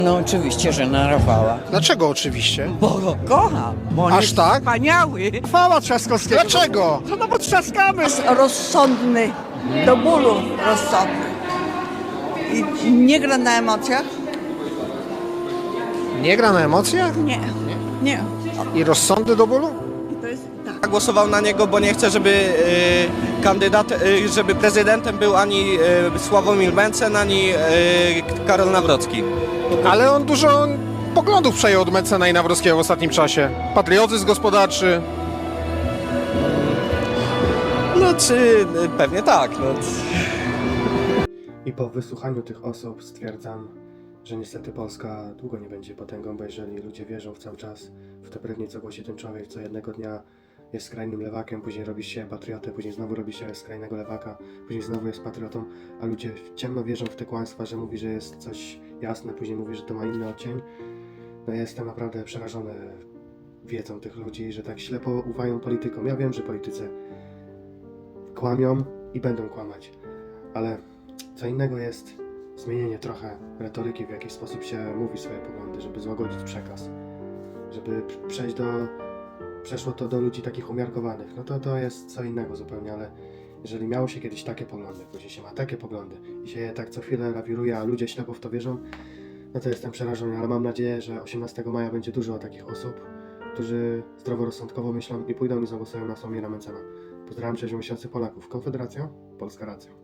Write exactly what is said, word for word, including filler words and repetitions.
No oczywiście, że narwała. Dlaczego oczywiście? Bo go kocham, bo on Aż jest tak? wspaniały. Chwała Trzaskowskiego. Dlaczego? No bo trzaskamy. Rozsądny, do bólu rozsądny. I nie gra na emocjach? Nie gra na emocjach? Nie, nie. I rozsądny do bólu? To jest tak. Głosował na niego, bo nie chcę, żeby y, kandydat, y, żeby prezydentem był ani y, Sławomir Mencen, ani y, Karol Nawrocki. Ale on dużo poglądów przejął od Mencena i Nawrockiego w ostatnim czasie. Patriotyzm gospodarczy. No czy y, pewnie tak. No. I po wysłuchaniu tych osób stwierdzam, że niestety Polska długo nie będzie potęgą, bo jeżeli ludzie wierzą w cały czas w te brednie, co głosi ten człowiek, co jednego dnia jest skrajnym lewakiem, później robi się patriotę, później znowu robi się skrajnego lewaka, później znowu jest patriotą, a ludzie ciemno wierzą w te kłamstwa, że mówi, że jest coś jasne, później mówi, że to ma inny odcień. No ja jestem naprawdę przerażony wiedzą tych ludzi, że tak ślepo ufają politykom. Ja wiem, że politycy kłamią i będą kłamać, ale co innego jest zmienienie trochę retoryki, w jaki sposób się mówi swoje poglądy, żeby złagodzić przekaz, żeby przejść do, przeszło to do ludzi takich umiarkowanych, no to to jest co innego zupełnie, ale jeżeli miało się kiedyś takie poglądy, później się ma takie poglądy i się je tak co chwilę lawiruje, a ludzie ślepo w to wierzą, no to jestem przerażony, ale mam nadzieję, że osiemnastego maja będzie dużo takich osób, którzy zdroworozsądkowo myślą i pójdą i zagłosują na Sławomira Mencena. Pozdrawiam, cześć miesiący Polaków. Konfederacja, Polska racja.